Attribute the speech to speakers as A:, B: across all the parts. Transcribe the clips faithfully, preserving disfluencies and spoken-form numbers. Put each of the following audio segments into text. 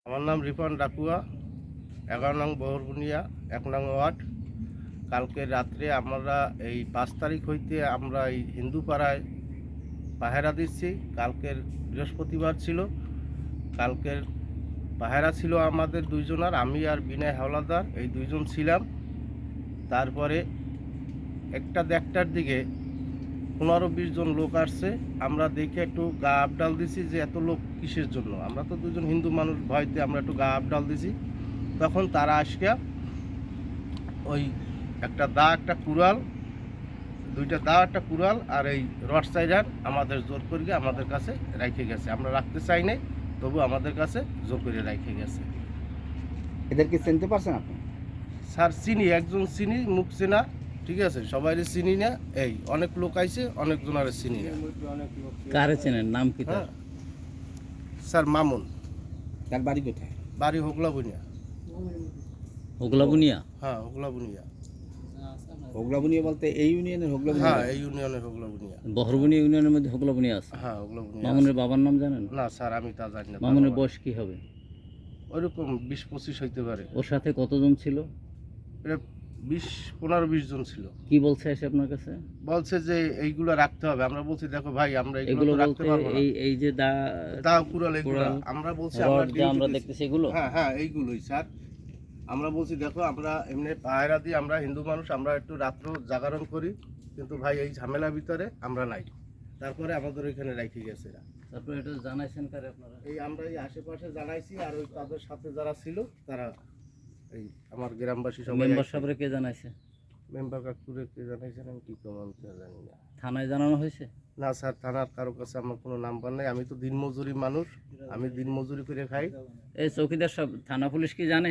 A: আমার নাম রিপন ডাকুয়া, এগারো নং বহরবুনিয়া, এক নং ওয়ার্ড। কালকে রাত্রে আমরা এই পাঁচ তারিখ হইতে আমরা এই হিন্দু পাড়ায় পাহারা দিচ্ছি। কালকের বৃহস্পতিবার ছিল, কালকের পাহারা ছিল আমাদের দুইজনার, আমি আর বিনয় হাওলাদার, এই দুইজন ছিলাম। তারপরে একটা দেড়টার দিকে পনেরো বিশ জন লোক আসছে। আমরা দেখে একটু গা আপডাল দিছি যে এত লোক কিসের জন্য। আমরা তো দুজন হিন্দু মানুষ, ভয়তে আমরা একটু গা আপডাল দিছি। তখন তারা আসিয়া ওই একটা দা, একটা কুড়াল, দুইটা দা, একটা কুড়াল আর এই রড সাইডার আমাদের জোর করে আমাদের কাছে রেখে গেছে। আমরা রাখতে চাই নাই, তবু আমাদের কাছে জোর করে রেখে গেছে।
B: এদেরকে চিনতে পারছেন আপনি?
A: স্যার চিনি, একজন চিনি, মুখ চেনা, ঠিক আছে, সবাই চিনি না। এই অনেক লোক আইছে, অনেকজন আর চিনি না।
C: কারে চেনেন, নাম কি তার?
A: হ্যাঁ স্যার, মামুন।
B: তার বাড়ি কোথায়?
A: বাড়ি হোগলা বুনিয়া।
C: হোগলা বুনিয়া?
A: হ্যাঁ হোগলা বুনিয়া।
B: হোগলা বুনিয়া বলতে এই ইউনিয়নের হোগলা বুনিয়া?
A: হ্যাঁ এই ইউনিয়নের হোগলা বুনিয়া।
C: বহরবুনিয়া ইউনিয়নের মধ্যে হোগলা বুনিয়া আছে?
A: হ্যাঁ হোগলা বুনিয়া।
C: মামুনের বাবার নাম জানেন?
A: না স্যার, আমি তা জানি না।
C: মামুনের বয়স কি হবে?
A: ওইরকম বিশ পঁচিশ হইতে পারে।
C: ওর সাথে কতজন ছিল?
A: এটা বিশ পনেরো বিশ জন ছিল।
C: কি বলছে এসে আপনার কাছে?
A: বলছে যে এইগুলো রাখতে হবে। আমরা বলছি দেখো ভাই, আমরা
C: এগুলো
A: এগুলো রাখতে
C: বলতে
A: পারবো না।
C: এই এই যে দা
A: তা কুড়াল এগুলো
C: কুড়াল,
A: আমরা বলছি
C: রড
A: আমরা
C: যে আমরা
A: ডিউটি
C: দেখতেছি এগুলো?
A: হ্যাঁ হ্যাঁ এইগুলোই স্যার। আমরা বলছি দেখো, আমরা এমনি পায়রা দিই, আমরা হিন্দু মানুষ, আমরা একটু রাত্র জাগরণ করি, কিন্তু ভাই এই ঝামেলার ভিতরে আমরা নাই। তারপরে আমাদের ওইখানে রেখে গেছে এরা।
C: তারপরে এটা জানাইছেন কারে আপনারা?
A: এই আমরা এই আশেপাশে জানাইছি, আর ওই তাদের সাথে যারা ছিল তারা, এই আমার গ্রামবাসী সবাই।
C: মেম্বার সাহেবরে কে জানাইছে?
A: মেম্বার কাকুরে কে জানাইছেন আমি কি কমান জানি না।
C: থানায় জানানো হয়েছে?
A: না স্যার, থানার কারো কাছে আমার কোনো নাম্বার নেই। আমি তো দিনমজুরি মানুষ, আমি দিনমজুরি করে খাই।
C: এই চৌকিদার সাহেব, থানা পুলিশ কি জানে?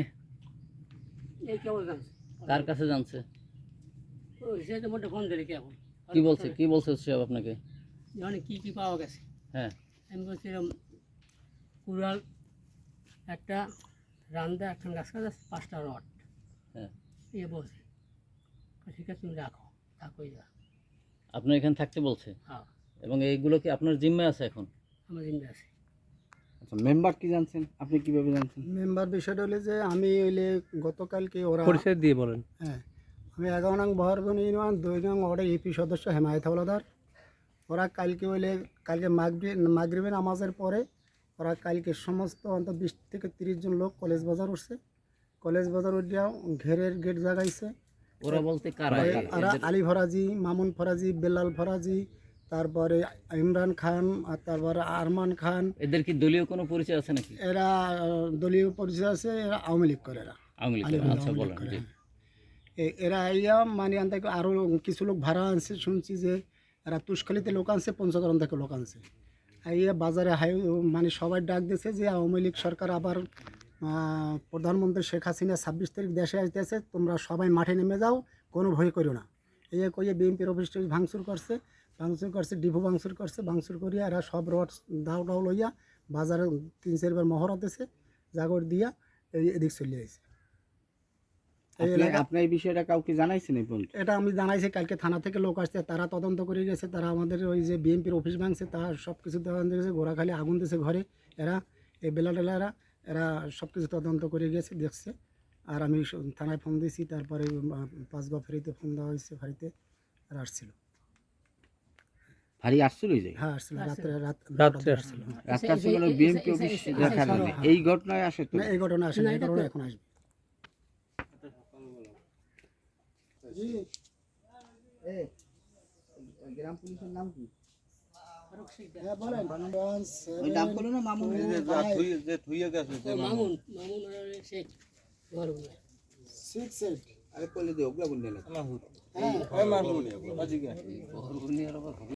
D: এই কেবল জানছে।
C: কার কাছে জানছে?
D: ওই সে তো মোটে ফোন দিলে কি এখন?
C: কি বলছে, কি বলছে সাহেব আপনাকে?
D: জানে কি কি পাওয়া গেছে।
C: হ্যাঁ,
D: আমি বলছিলাম কুড়াল, একটা রান্দা, একটা গাছ কাজ আছে, পাঁচটা রড।
C: হ্যাঁ।
D: এ বলছে ঠিক আছে তুমি রাখো, থাকোই যা।
C: আপনার এখানে থাকতে বলছে?
D: হ্যাঁ,
C: এবং এইগুলো কি আপনার জিম্মায় আছে এখন?
D: আমার জিম্মে আছে।
B: আচ্ছা, মেম্বার কি জানছেন? আপনি কিভাবে জানছেন?
E: মেম্বার বিষয়টা হলে যে আমি হইলে গতকালকে ওরা
F: পরিচয় দিয়ে বলেন।
E: হ্যাঁ, আমি এগারো নং বহরবন ইউনিয়ন দুই নং ওয়ার্ডের ইপি সদস্য হেমায়েত হাওলাদার। ওরা কালকে হইলে কালকে মাগরি মাগরিবে নামাজের পরে ওরা কালকে সমস্ত অন্তত বিশ থেকে তিরিশ জন লোক কলেজ বাজার উঠছে। কলেজ বাজার উঠিয়া ঘেরের গেট জাগাইছে।
C: ওরা বলতে কারা?
E: ওরা আলী ফরাজি, মামুন ফরাজি, বেলাল ফরাজি, তারপরে ইমরান খান, আর তারপরে আরমান খান।
C: এদের কি দলীয় কোনো পরিচয় আছে নাকি?
E: এরা আহ, দলীয় পরিচয় আছে, এরা আওয়ামী লীগ করে। এরা
C: আওয়ামী লীগ?
E: আলী-
C: আচ্ছা
E: আওয়ামী
C: বলেন।
E: লীগ করে,
C: জি।
E: হ্যাঁ। এ- এরা আইয়া মানে আন থেকে আরও কিছু লোক ভাড়া আনছে, শুনছি যে এরা তুষখালিতে লোক আনছে, পঞ্চগড় থেকে লোক আনছে। আইয়া বাজারে হাই মানে সবাই ডাক দিয়েছে যে আওয়ামী লীগ সরকার আবার আহ, প্রধানমন্ত্রী শেখ হাসিনা ছাব্বিশ তারিখ দেশে আসতেছে, তোমরা সবাই মাঠে নেমে যাও, কোনো ভয় করো না। এই কইয়ে বিএনপির অফিস টফিস ভাঙচুর করছে, ভাঙচুর করছে, ডিপো ভাঙচুর করছে, ভাঙচুর করিয়া এরা সব রড দাও ডাও লইয়া বাজারে তিন চারবার মহড়া দিছে, জাগর দিয়া এই এদিক চলে আসছে। এই
B: আপনি
E: এলাকা
B: আপনার এই বিষয়টা কাউকে জানাইছেন এই পর্যন্ত?
E: এটা আমি জানাইছি, কালকে থানা থেকে লোক আসছে, তারা তদন্ত করে গেছে। তারা আমাদের ওই যে বিএনপির অফিস ভাঙছে, তারা সব কিছু তদন্ত গেছে, গোড়াখালি আগুন দিয়েছে ঘরে। এরা এই বেলা টেলারা এরা সব কিছু তদন্ত করে গেছে, দেখছে। আর আমি স- থানায় ফোন দিয়েছি, তারপরে পাঁচগা ফেরিতে ফোন দেওয়া হয়েছে, ফাঁড়িতে আর আসছিল।
B: ভারী আসছিল এই জায়গায়?
E: হ্যাঁ আসছিল, রাত্রে রাত
F: রাত্রে
E: আসছিল। হ্যাঁ।
B: রাস্তা ছিল বিএনপি অফিস দেখার জন্য। এই ঘটনায় আসে তো?
E: না এই ঘটনা আসে না, এই ঘটনা এখন আসবে।
B: গ্রাম পুলিশের নাম কি?
E: হ্যাঁ বলেন।
B: ওই নাম করলো না মামুন?
D: ও মামুন, মামুন ওরা সে ঘর বলে।
E: সিক্স এইট
B: আরে কইলে দিয়ে ওগুলা বললে না।
E: হ্যাঁ
C: বহরবুনিয়ার আবার